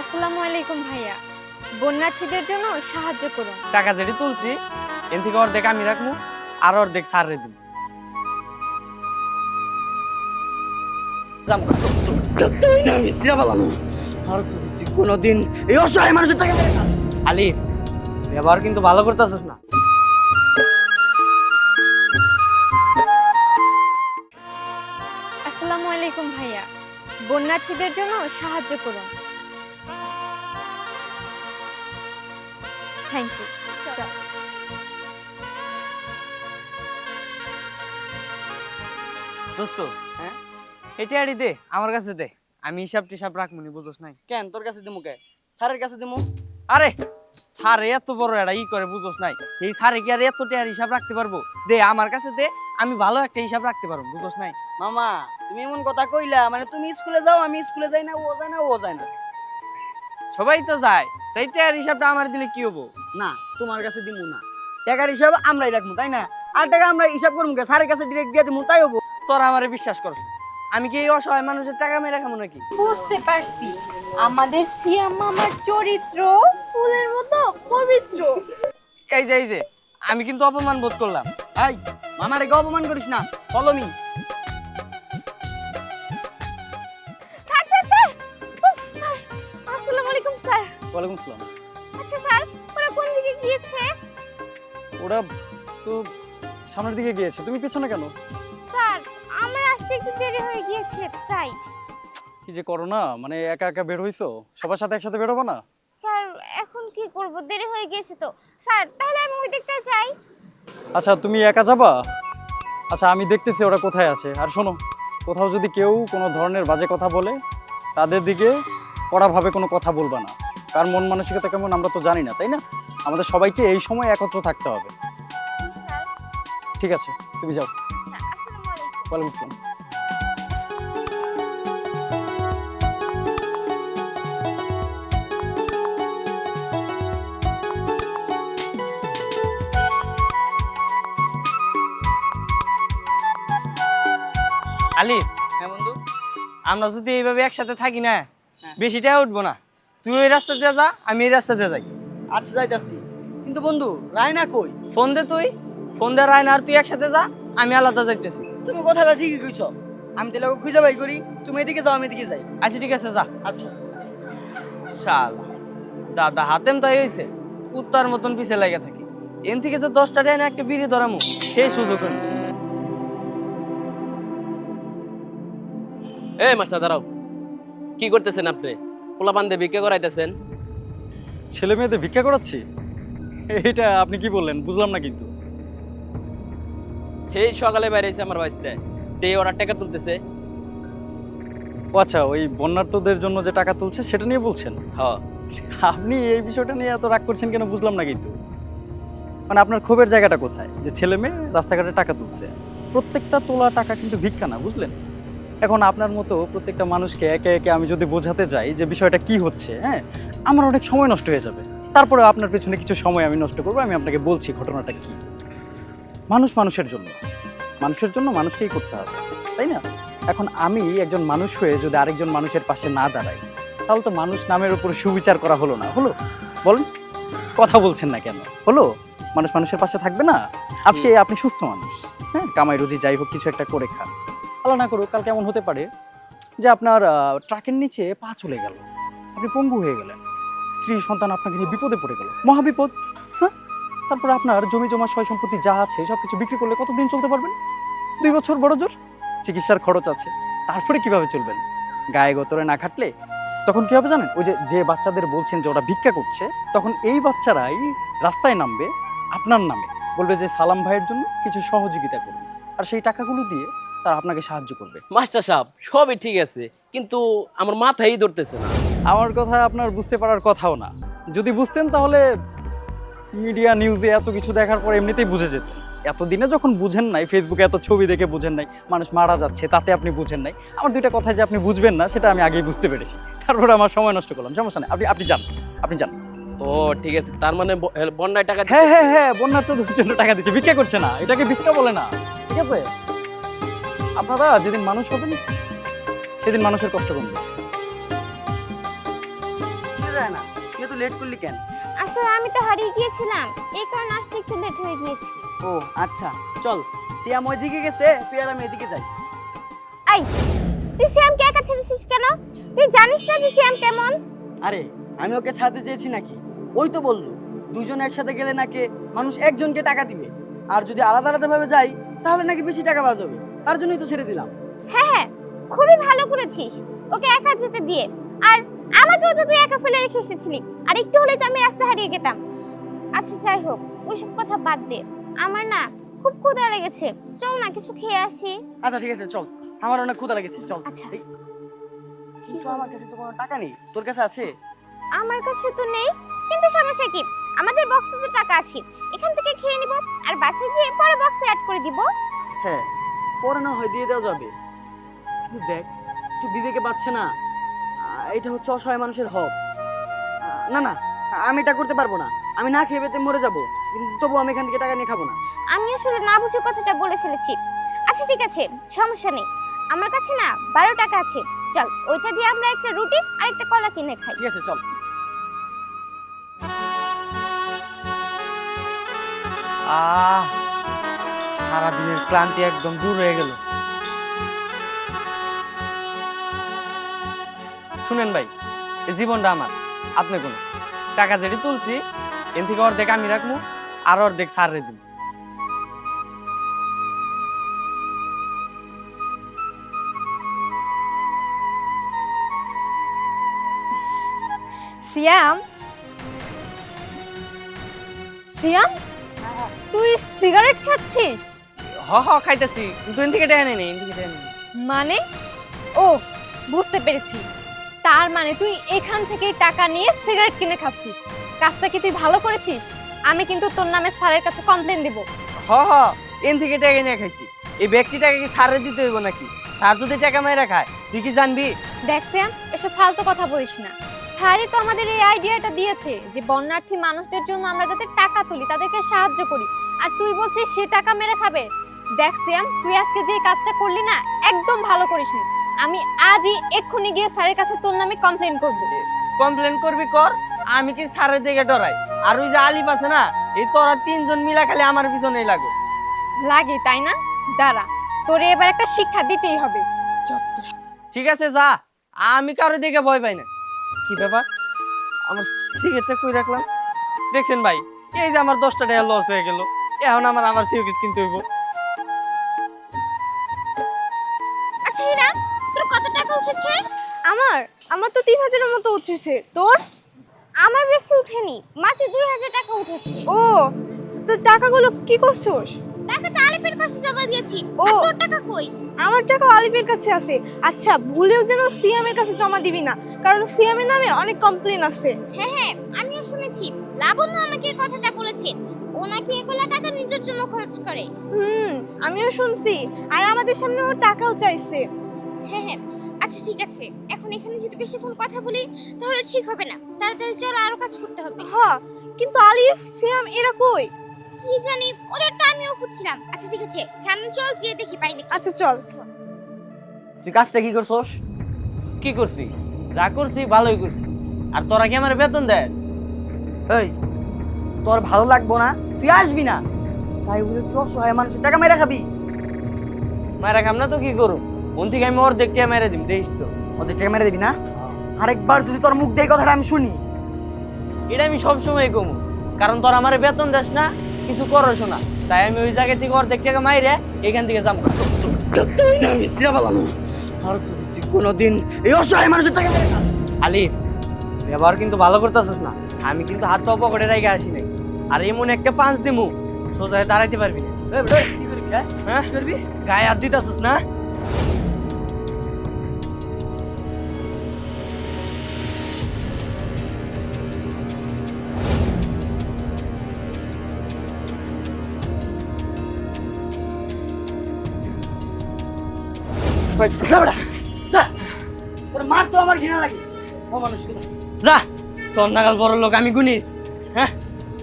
আসসালামু আলাইকুম ভাইয়া, বন্যার্থীদের জন্য সাহায্য করুন। টাকা যেটি তুলছি এন থেকে অর্ধেক আমি রাখবো আর অর্ধেক স্যাররে দিব। কোনদিন এই অসহায় মানুষের টাকা মেরে খাস আলি, ব্যবহার কিন্তু ভালো করতেছিস না। আসসালামু আলাইকুম ভাইয়া, বন্যার্থীদের জন্য সাহায্য করুন। Thank you. দোস্ত, হ্যাঁ এটা আড়ি দে, আমার কাছে দে, আমি হিসাব টিসাব রাখমুনি, বুঝোস নাই? কেন তোর কাছে দিমু কে? স্যারের কাছে দিমু। আরে স্যার এত বড় একটা ই করে, বুঝোস নাই? এই স্যারে কি আর এত টাকার হিসাব রাখতে পারবো? দে আমার কাছে দে, আমি ভালো একটা হিসাব রাখতে পারবো, বুঝোস নাই? মামা তুমি এমন কথা কইলা, মানে তুমি স্কুলে যাও আমি স্কুলে যাই না, ও যায় না ও যায় না। সবাই তো যায়, তাই টাকার হিসাবটা আমার দিলে কি হবো? না তোমার কাছে দিমু না, টাকার হিসাব আমরাই রাখবো, তাই না? আর টাকা আমরা হিসাব করবো কে? স্যারের কাছে ডিরেক্ট দিয়ে দিমু, তাই হবো। তোরা আমারে বিশ্বাস করছ? আমি কি এই অসহায় মানুষের টাকা মেরে খাবো নাকি? বুঝতে পারছি, আমাদের সিয়াম মামার চরিত্র ফুলের মতো পবিত্র। এই যে আমি কিন্তু অপমান বোধ করলাম। এই মামারে কে অপমান করিস না, follow me. Sir sir sir, উফ, স্যার। আসসালামু আলাইকুম স্যার। ওয়ালাইকুম আসসালাম। আচ্ছা স্যার, ওরা কোন দিকে গিয়েছে? ওরা তো সামনের দিকে গিয়েছে, তুমি পেছনে কেন? স্যার আমার আসতে একটু দেরি হয়ে গিয়েছে তাই। কি যে করো না, মানে একা একা বের হইছো, সবার সাথে একসাথে বেরোবা না? স্যার এখন কি করব, দেরি হয়ে গিয়েছে তো। স্যার তাহলে আমি ওই দিকটা যাই। আচ্ছা তুমি একা যাবা? আচ্ছা আমি দেখতেছি ওরা কোথায় আছে। আর শোনো, কোথাও যদি কেউ কোনো ধরনের বাজে কথা বলে তাদের দিকে কড়াভাবে কোনো কথা বলবা না। কার মন মানসিকতা কেমন আমরা তো জানি না, তাই না? আমাদের সবাইকে এই সময় একত্র থাকতে হবে। স্যার ঠিক আছে তুমি যাও। আচ্ছা, আসসালামু আলাইকুম। ওয়ালাইকুম আসসালাম। আলি, হ্যাঁ বন্ধু। আমরা যদি এইভাবে একসাথে থাকি না, হ্যাঁ। বেশি টাকা উঠবো না। তুই ওই রাস্তা দিয়ে যা, আমি এই রাস্তা দিয়ে যাই। আচ্ছা যাইতাছি, কিন্তু বন্ধু রায়না কই? ফোন দে তুই, ফোন দে রায় না, আর তুই একসাথে যা, আমি আলাদা যাইতেছি। তুমি কথাটা ঠিকই কইছো, আমি তাহলে ওকে খুঁজে বাই করি, তুমি এদিকে যাও আমি এদিকে যাই। আচ্ছা ঠিক আছে, যা। আচ্ছা শালা দাদা হাতেম তাই হয়েছে, কুত্তার মতন পিছে লেগে থাকি। এন থেকে তো 10টা টাকা একটা বিড়ি ধরামু, সেই সুযোগ হলো। এই মাস্টার দাঁড়াও, কি করতেছেন আপনি? পোলাপান দিয়ে ভিক্ষা করাইতেছেন? ছেলে মেয়েদের ভিক্ষা করাচ্ছি? এটা আপনি কি বললেন বুঝলাম না কিন্তু। এই সকালে বাইরেছে আমার বাড়িতে, তে ওরা টাকা তুলতেছে। ও আচ্ছা, ওই বন্যার্থদের জন্য যে টাকা তুলছে সেটা নিয়ে বলছেন? হ, আপনি এই বিষয়টা নিয়ে এত রাগ করছেন কেন বুঝলাম না কিন্তু। মানে আপনার ক্ষোভের জায়গাটা কোথায় যে ছেলে মেয়ে রাস্তাঘাটে টাকা তুলছে? প্রত্যেকটা তোলা টাকা কিন্তু ভিক্ষা না, বুঝলেন? এখন আপনার মতো প্রত্যেকটা মানুষকে একে একে আমি যদি বোঝাতে যাই যে বিষয়টা কি হচ্ছে, হ্যাঁ, আমার অনেক সময় নষ্ট হয়ে যাবে। তারপরে আপনার পেছনে কিছু সময় আমি নষ্ট করবো। আমি আপনাকে বলছি ঘটনাটা কি। মানুষ মানুষের জন্য, মানুষের জন্য মানুষকেই করতে হবে, তাই না? এখন আমি একজন মানুষ হয়ে যদি আরেকজন মানুষের পাশে না দাঁড়াই, তাহলে তো মানুষ নামের উপর সুবিচার করা হলো না। হলো? বলেন, কথা বলছেন না কেন? হলো? মানুষ মানুষের পাশে থাকবে না? আজকে আপনি সুস্থ মানুষ, হ্যাঁ, কামাই রুজি যাই হোক কিছু একটা করে খান। আল্লাহ না করুক কাল কেমন হতে পারে যে আপনার ট্রাকের নিচে পা চলে গেল, আপনি পঙ্গু হয়ে গেলেন, স্ত্রী সন্তান আপনাকে নিয়ে বিপদে পড়ে গেল, মহাবিপদ। হ্যাঁ, তারপরে আপনার জমি জমা সয় সম্পত্তি যা আছে সবকিছু বিক্রি করলে কতদিন চলতে পারবেন? 2 বছর বড় জোর। চিকিৎসার খরচ আছে, তারপরে কিভাবে চলবেন? গায়ে গতরে না খাটলে তখন কি হবে জানেন? ওই যে বাচ্চাদের বলছেন যে ওরা ভিক্ষা করছে, তখন এই বাচ্চারাই রাস্তায় নামবে আপনার নামে, বলবে যে সালাম ভাইয়ের জন্য কিছু সহযোগিতা করুন, আর সেই টাকাগুলো দিয়ে তারা আপনাকে সাহায্য করবে। মাস্টার সাহেব সবই ঠিক আছে, কিন্তু আমার মাথাই ধরতেছে না। আমার কথা আপনার বুঝতে পারার কথাও না। যদি বুঝতেন তাহলে মিডিয়া নিউজে এত কিছু দেখার পর এমনিতেই বুঝে যেতেন। এতদিনে যখন বুঝেন নাই, ফেসবুকে এত ছবি দেখে বুঝেন নাই, মানুষ মারা যাচ্ছে তাতে আপনি বুঝেন নাই, আমার 2টা কথা যে আপনি বুঝবেন না সেটা আমি আগেই বুঝতে পেরেছি। তারপরে আমার সময় নষ্ট করলাম, সমস্যা নেই, আপনি যান, আপনি যান। ও ঠিক আছে, তার মানে বন্যায় টাকা হ্যাঁ হ্যাঁ হ্যাঁ, বন্যার্থদের জন্য টাকা দিচ্ছে, ভিক্ষা করছে না, এটাকে ভিক্ষা বলে না, ঠিক আছে? আপনারা যেদিন মানুষ হবেন সেদিন মানুষের কষ্ট কমবে। যায় না, তুই তো লেট করলি কেন? আসলে আমি তো হারিয়ে গিয়েছিলাম, এই কারণে আসতে একটু লেট হয়ে গিয়েছি। ও আচ্ছা, চল সিয়াম ওইদিকে গেছে, তুই আর আমি এদিকে যাই। আই, তুই শ্যামকে একা ছেড়েছিস কেন? তুই জানিস না যে শ্যাম কেমন? আরে আমি ওকে ছাড়তে চেয়েছি নাকি? ওই তো বললো দুজন একসাথে গেলে নাকি মানুষ একজনকে টাকা দিবে, আর যদি আলাদা আলাদা ভাবে যাই তাহলে নাকি বেশি টাকা বাঁচবে। তার জন্যই তো ছেড়ে দিলাম। হ্যাঁ হ্যাঁ, খুবই ভালো করেছিস ওকে একা যেতে দিয়ে। আর আমাকেও তো তুই একা ফেলে রেখে এসেছিলি, আর একটু হলেই তো আমি রাস্তা হারিয়ে যেতাম। আচ্ছা যাই হোক, ওইসব কথা বাদ দে। আমার না খুব ক্ষুধা লেগেছে, চল না কিছু খেয়ে আসি। আচ্ছা ঠিক আছে চল, আমার অনেক ক্ষুধা লেগেছে, চল। আচ্ছা। এই, কিন্তু আমার কাছে তো কোনো টাকা নেই, তোর কাছে আছে? আমার কাছে তো নেই, কিন্তু সমস্যা কি, আমাদের বক্সে তো টাকা আছে, এখান থেকে খেয়ে নিব আর বাসায় যেয়ে পরে বক্সে অ্যাড করে দিব। হ্যাঁ, পরে না হয় দিয়ে দেওয়া যাবে, কিন্তু দেখ একটু বিবেকে পাচ্ছে না, এটা হচ্ছে অসহায় মানুষের হক। না না, আমি এটা করতে পারবো না, আমি না খেয়ে পেতে মরে যাবো, কিন্তু তবু আমি এখান থেকে টাকা নিয়ে খাবো না। আমি আসলে না বুঝে কথাটা বলে ফেলেছি। আচ্ছা ঠিক আছে, সমস্যা নেই, আমার কাছে না 12 টাকা আছে, চল ওইটা দিয়ে আমরা একটা রুটি আর একটা কলা কিনে খাই। ঠিক আছে চল। সারাদিনের ক্লান্তি একদম দূর হয়ে গেল। শুনেন ভাই, এই জীবনটা আমার, আপনি কোন টাকা যেটি তুলছি এর থেকে অর্ধেক আমি রাখবো আর অর্ধেক সারে দিব। সিয়াম, সিয়াম তুই সিগারেট খাচ্ছিস? খাইতেছি, কিন্তু এর থেকে টাকা নেই, এর থেকে টাকা নেই। মানে? ও বুঝতে পেরেছি, তার মানে তুই এখান থেকে টাকা নিয়ে সিগারেট কিনে খাচ্ছিস। কাজটা কি তুই ভালো করেছিস? আমি কিন্তু তোর নামে স্যারের কাছে কমপ্লেন দেব। এর থেকে টাকা নিয়ে খাইছি, এই ব্যক্তিটাকে কি সারে দিতে হইব নাকি? স্যার যদি টাকা মেরে খায় তুই কি জানবি? দেখ সিয়াম, এসব ফালতু কথা বলিস না। স্যারই তো আমাদের এই আইডিয়াটা দিয়েছে যে বন্যার্থী মানুষদের জন্য আমরা যাতে টাকা তুলি, তাদেরকে সাহায্য করি, আর তুই বলছিস সে টাকা মেরে খাবে। দেখ সিয়াম, তুই আজকে যে কাজটা করলি না, একদম ভালো করিসনি। আমি আজই এক্ষুনি গিয়ে স্যারের কাছে তোর নামে কমপ্লেন করব। কমপ্লেন করবি কর, আমি কি স্যারের দিকে ডরাই? আর ওই যে আলিফ আছে না, এই তোরা তিনজন মিলা খালি আমার পিছনেই লাগো। লাগে তাই না? দাঁড়া, তোরে এবার একটা শিক্ষা দিতেই হবে। ঠিক আছে যা, আমি কারো দিকে ভয় পাই না। কি ব্যাপার, আমার সিগারেটটা কই রাখলাম? দেখছেন ভাই, এই যে আমার 10টা টাকা লস হয়ে গেল, এখন আমার সিগারেট কিনতে হইব। আচ্ছা হীরা, তোর কত টাকা উঠেছে? আমার তো 3000-এর মতো উঠেছে। তোর? আমার বেশি উঠেনি, মাত্র 2000 টাকা উঠেছে। ও, তোর টাকাগুলো কি করছস? টাকাটা আলিফের কাছে জমা দিয়েছি। ও। আর তোর টাকা কই? আমার টাকা আলিফের কাছে আছে। আচ্ছা, ভুলেও যেন সিয়ামের কাছে জমা দিবি না, কারণ সিয়ামের নামে অনেক কমপ্লেন আছে। হ্যাঁ হ্যাঁ, আমিও শুনেছি, লাবণ্য আমাকে এই কথাটা বলেছে। ও নাকি এগুলা টাকা নিজের জন্য খরচ করে। আমিও শুনছি, আর আমাদের সামনে ও টাকাও চাইছে। হ্যাঁ হ্যাঁ, আচ্ছা ঠিক আছে, এখন এখানে যদি বেশিক্ষণ কথা বলি তাহলে ঠিক হবে না, তাড়াতাড়ি চল, আরো কাজ করতে হবে। হ্যাঁ, কিন্তু আলিফ সিয়াম এরা কই? কি জানি, ওদেরটা আমিও খুঁজছিলাম। আচ্ছা ঠিক আছে, সামনে চল, যেয়ে দেখি পাই নাকি। আচ্ছা চল। তুই কাজটা কি করছস? কি করছি? যা করছি ভালোই করছি। আর তোরা কি আমার বেতন দেস? এই, তোর ভালো লাগবো না, তুই আসবি না, তাই বলে তুই অসহায় মানুষের টাকা মেরে খাবি? মায়েরা খাম না তো কি করুম? ওন থেকে আমি অর্ধেক টাকা মেরে দিম, দেখিস তো। ওদের টাকা মেরে দিবি না? আরেকবার যদি তোর মুখ দিয়ে এই কথাটা আমি শুনি। এটা আমি সবসময় কমু, কারণ তোর আমার বেতন দেস না, কিছু করছ না, তাই আমি ওই জায়গা থেকে অর্ধেক টাকা মাইরে এখান থেকে যাবো। আর যদি তুই কোনোদিন এই অসহায় মানুষের টাকা মেরে খাস। আলিফ, ব্যবহার কিন্তু ভালো করতেছিস না, আমি কিন্তু হাত পা পকেটে রেখে আসি নাই। আর এমন একটা পাঁচ দিমু, সোজায় দাঁড়াইতে পারবি না। কি করবি? হ্যাঁ কি করবি? গায়ে হাত দিতেছিস না? তোর মার তো আমার ঘৃণা লাগে, ও মানুষ কোথা? যা, তোর নাগাল বড় লোক আমি গুনি। হ্যাঁ,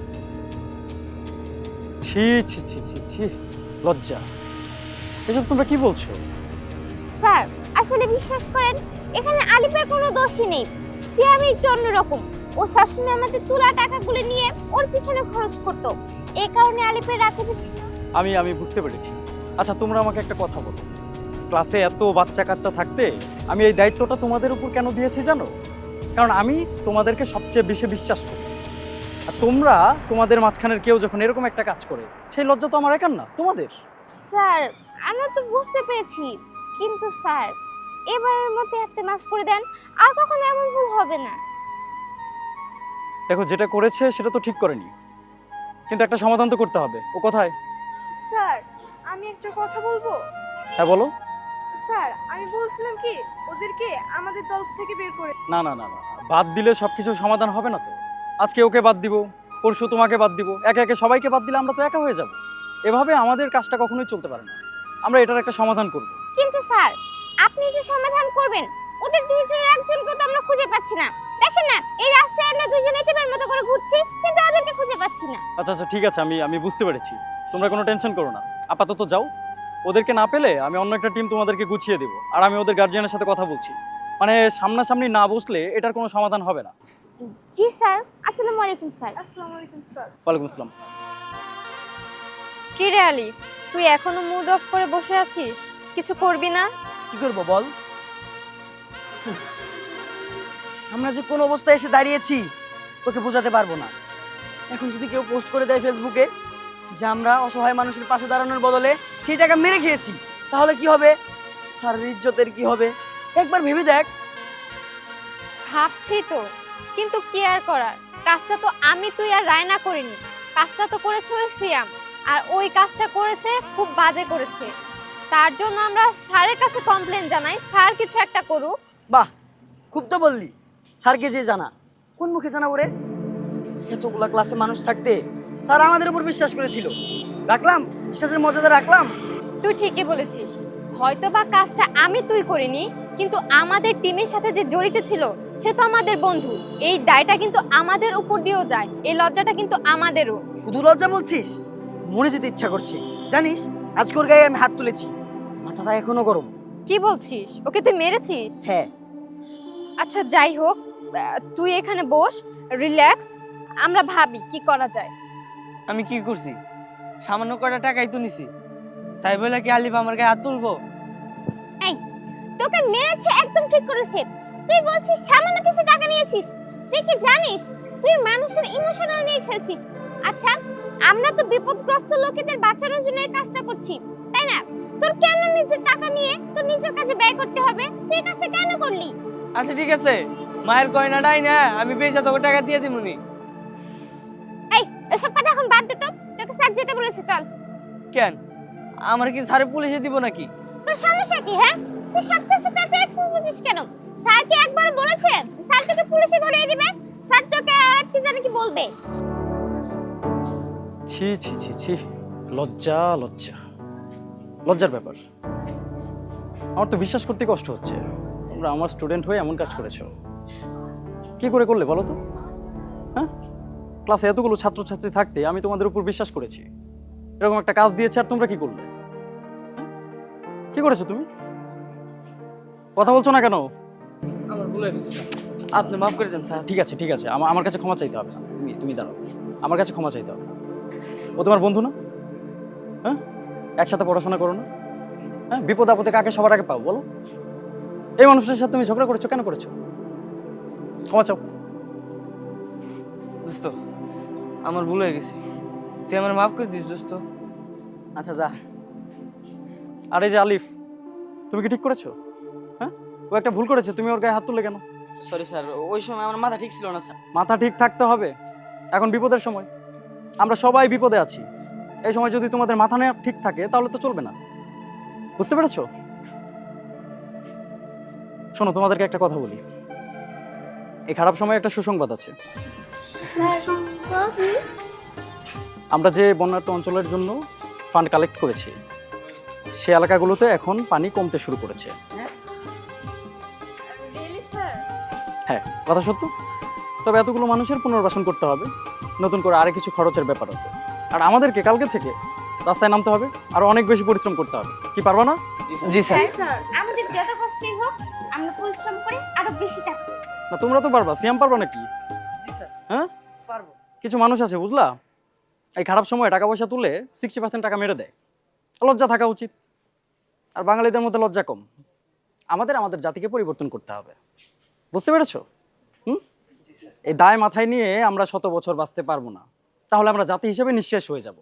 ছি ছি ছি ছি ছি, লজ্জা। এসব তোমরা কি বলছো? স্যার, আসলে বিশ্বাস করেন, এখানে আলিফের কোনো দোষই নেই। সিয়ামই একটু অন্যরকম। ও সবসময় আমাদের তোলা টাকাগুলো নিয়ে ওর পিছনে খরচ করতো। এই কারণে আলিফের রাখতে দিচ্ছি না। আমি বুঝতে পেরেছি। আচ্ছা তোমরা আমাকে একটা কথা বলো, ক্লাসে এত বাচ্চা কাচ্চা থাকতে আমি এই দায়িত্বটা তোমাদের উপর কেন দিয়েছি জানো? কারণ আমি তোমাদেরকে সবচেয়ে বেশি বিশ্বাস করি। আর তোমরা তোমাদের মাঝখানের কেউ যখন এরকম একটা কাজ করে, সেই লজ্জা তো আমার একার না, তোমাদের। স্যার আমরা তো বুঝতে পেরেছি, কিন্তু স্যার এবারের মতো আপনি মাফ করে দেন, আর কখনো এমন ভুল হবে না। দেখো যেটা করেছে সেটা তো ঠিক করেনি, কিন্তু একটা সমাধান তো করতে হবে। ও কোথায়? স্যার আমি একটা কথা বলবো? হ্যাঁ বলো। স্যার আমি বলছিলাম কি ওদেরকে আমাদের দল থেকে বের করে। না না না না, বাদ দিলে সবকিছু সমাধান হবে না তো। আজকে ওকে বাদ দিব, পরশু তোমাকে বাদ দিব, একে একে সবাইকে বাদ দিলে আমরা তো একা হয়ে যাব। এভাবে আমাদের কাজটা কখনোই চলতে পারে না। আমরা এটার একটা সমাধান করব। কিন্তু স্যার আপনি যে সমাধান করবেন, ওদের দুইজনের একজনকে তো আমরা খুঁজে পাচ্ছি না। দেখেন না এই রাস্তায় আমরা দুইজন এতিমের মতো করে ঘুরছি, কিন্তু ওদেরকে খুঁজে পাচ্ছি না। আচ্ছা আচ্ছা ঠিক আছে, আমি বুঝতে পেরেছি। তোমরা কোনো টেনশন করো না, আপাতত যাও। ওদেরকে না পেলে আমি অন্য একটা টিম তোমাদেরকে গুছিয়ে দেবো, আর আমি ওদের গার্জিয়ানের সাথে কথা বলছি। মানে সামনাসামনি না বসলে এটার কোনো সমাধান হবে না। জি স্যার। আসসালামু আলাইকুম স্যার। আসসালামু আলাইকুম স্যার। ওয়ালাইকুম আসসালাম। কি রে আলিফ, তুই এখনো মুড অফ করে বসে আছিস? কিছু করবি না? কি করব বল? আমরা যে কোন অবস্থায় এসে দাঁড়িয়েছি তোকে বোঝাতে পারবো না। এখন যদি কেউ পোস্ট করে দেয় ফেসবুকে যে আমরা অসহায় মানুষের পাশে দাঁড়ানোর বদলে সেই টাকা মেরে খেয়েছি, তাহলে কি হবে? স্যারের ইজ্জতের কি হবে? একবার ভেবে দেখ। ভাবছি তো, কিন্তু কি আর করার, কাজটা তো আমি তুই আর রায়না করিনি, কাজটা তো করেছে ওই সিয়াম, আর ওই কাজটা করেছে খুব বাজে করেছে। তার জন্য আমরা স্যারের কাছে কমপ্লেন জানাই, স্যার কিছু একটা করুক। বাহ, খুব তো বললি। স্যারকে যে জানা, কোন মুখে জানাবো রে? এতগুলা ক্লাসে মানুষ থাকতে স্যার আমাদের উপর বিশ্বাস করেছিল, রাখলাম, বিশ্বাসের মর্যাদা রাখলাম। তুই ঠিকই বলেছিস, হয়তো বা কাজটা আমি তুই করিনি, কিন্তু আমাদের টিমের সাথে যে জড়িত ছিল সে তো আমাদের বন্ধু। এই দায়টা কিন্তু আমাদের উপর দিয়েও যায়, এই লজ্জাটা কিন্তু আমাদেরও। শুধু লজ্জা বলছিস? মরে যেতে ইচ্ছা করছে জানিস। আজকে ওর গায়ে আমি হাত তুলেছি, মাথাটা এখনো গরম। কি বলছিস? ওকে তুই মেরেছিস? হ্যাঁ। আচ্ছা যাই হোক, তুই এখানে বস, রিল্যাক্স, আমরা ভাবি কি করা যায়। আমি কি করছি? সামান্য কটা টাকাই তো নিছি, তাই বলে কি আলিফ আমার গায়ে হাত তুলবো? এই তোকে মেরেছে একদম ঠিক করেছে, তুই বলছিস সামান্য কিছু টাকা নিয়েছিস? তুই কি জানিস তুই মানুষের ইমোশনাল নিয়ে খেলছিস? আচ্ছা আমরা তো বিপদগ্রস্ত লোকেদের বাঁচানোর জন্য এই কাজটা করছি, তাই না? তোর কেন নিজের টাকা নিয়ে তোর নিজের কাজে ব্যয় করতে হবে? তুই এই কাজটা কেন করলি? আচ্ছা ঠিক আছে, মায়ের গয়নাটাই না আমি বেচা তোকে টাকা দিয়ে দিমুনি। এই এসব কথা এখন বাদ দে তো, তোকে স্যার যেতে বলেছে, চল। কেন, আমার কি স্যারে পুলিশে দিব নাকি? তোর সমস্যা কি? হ্যাঁ তুই সবকিছুতে এত এক্সেস বুঝিস কেন? স্যার কি একবার বলেছে স্যার তোকে পুলিশে ধরিয়ে দিবে? স্যার তোকে আর কি জানি কি বলবে। ছি ছি ছি ছি, লজ্জা লজ্জা, লজ্জার ব্যাপার। আমার তো বিশ্বাস করতে কষ্ট হচ্ছে তোমরা আমার স্টুডেন্ট হয়ে এমন কাজ করেছো। কি করে করলে বলো তো? হ্যাঁ, ক্লাসে এতগুলো ছাত্রছাত্রী থাকতে আমি তোমাদের উপর বিশ্বাস করেছি, এরকম একটা কাজ দিয়েছে, আর তোমরা কি করলে? কি করেছো তুমি? কথা বলছো না কেন? আমার ভুল হয়ে গেছে, আপনি মাফ করে দেন স্যার। ঠিক আছে ঠিক আছে, আমার কাছে ক্ষমা চাইতে হবে না। তুমি দাঁড়াও, আমার কাছে ক্ষমা চাইতে হবে না। ও তোমার বন্ধু না? হ্যাঁ, একসাথে পড়াশোনা করো না? হ্যাঁ, বিপদ আপদে কাকে সবার আগে পাও বলো? এই মানুষটার সাথে তুমি ঝগড়া করেছো, কেন করেছো? ক্ষমা চাও। দোস্ত আমার ভুল হয়ে গেছে, তুই আমার মাফ করে দিস দোস্ত। আচ্ছা যা। আর এই যে আলিফ, তুমি কি ঠিক করেছো? হ্যাঁ, ও একটা ভুল করেছে, তুমি ওর গায়ে হাত তুললে কেন? সরি স্যার, ওই সময় আমার মাথা ঠিক ছিল না স্যার। মাথা ঠিক থাকতে হবে, এখন বিপদের সময়, আমরা সবাই বিপদে আছি। এই সময় যদি তোমাদের মাথা না ঠিক থাকে তাহলে তো চলবে না, বুঝতে পেরেছো? শোনো, তোমাদেরকে একটা কথা বলি, এই খারাপ সময়ে একটা সুসংবাদ আছে। আমরা যে বন্যার্ত অঞ্চলের জন্য ফান্ড কালেক্ট করেছি, সেই এলাকাগুলোতে এখন পানি কমতে শুরু করেছে। হ্যাঁ, কথা সত্য। তবে এতগুলো মানুষের পুনর্বাসন করতে হবে, নতুন করে আরো কিছু খরচের ব্যাপার আছে। আর আমাদেরকে কালকে থেকে রাস্তায় নামতে হবে, আর অনেক বেশি পরিশ্রম করতে হবে। কি পারবা না? জি স্যার। স্যার আমাদের যত কষ্টই হোক আমরা পরিশ্রম করে আরো বেশি টাকা। না তোমরা তো পারবা, সিয়াম পারবা নাকি? হ্যাঁ পারবো। কিছু মানুষ আছে বুঝলা, এই খারাপ সময়ে টাকা পয়সা তুলে 60% টাকা মেরে দেয়। লজ্জা থাকা উচিত। আর বাঙালিদের মধ্যে লজ্জা কম। আমাদের জাতিকে পরিবর্তন করতে হবে, বুঝতে পেরেছো? এই দায় মাথায় নিয়ে আমরা 100 বছর বাঁচতে পারবো না, তাহলে আমরা জাতি হিসেবে নিঃশেষ হয়ে যাব।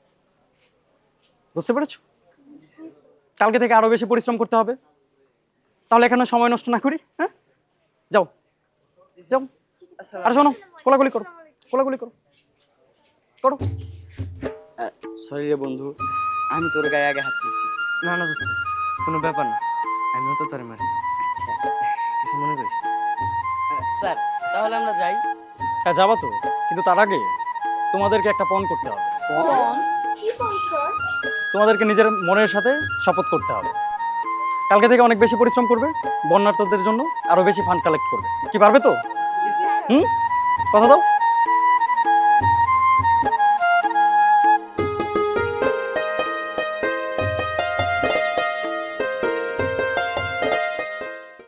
বুঝতে পেরেছো? কালকে থেকে আরো বেশি পরিশ্রম করতে হবে। তাহলে এখানে সময় নষ্ট না করি, হ্যাঁ যাও যাও। আর শোনো, কোলাগুলি করো, কোলাগুলি করো করো। সরি রে বন্ধু, আমি তোর গায়ে আগে হাত তুলছি। না না দোস্ত, কোনো ব্যাপার না, আমিও তো তোরে মারছি। কিছু মনে করিস না। স্যার তাহলে আমরা যাই। হ্যাঁ যাবা তো, কিন্তু তার আগে তোমাদেরকে একটা পণ করতে হবে। তোমাদেরকে নিজের মনের সাথে শপথ করতে হবে, কালকে থেকে অনেক বেশি পরিশ্রম করবে, বন্যার্থদের জন্য আরো বেশি ফান্ড কালেক্ট করবে। কি পারবে তো? কথা দাও।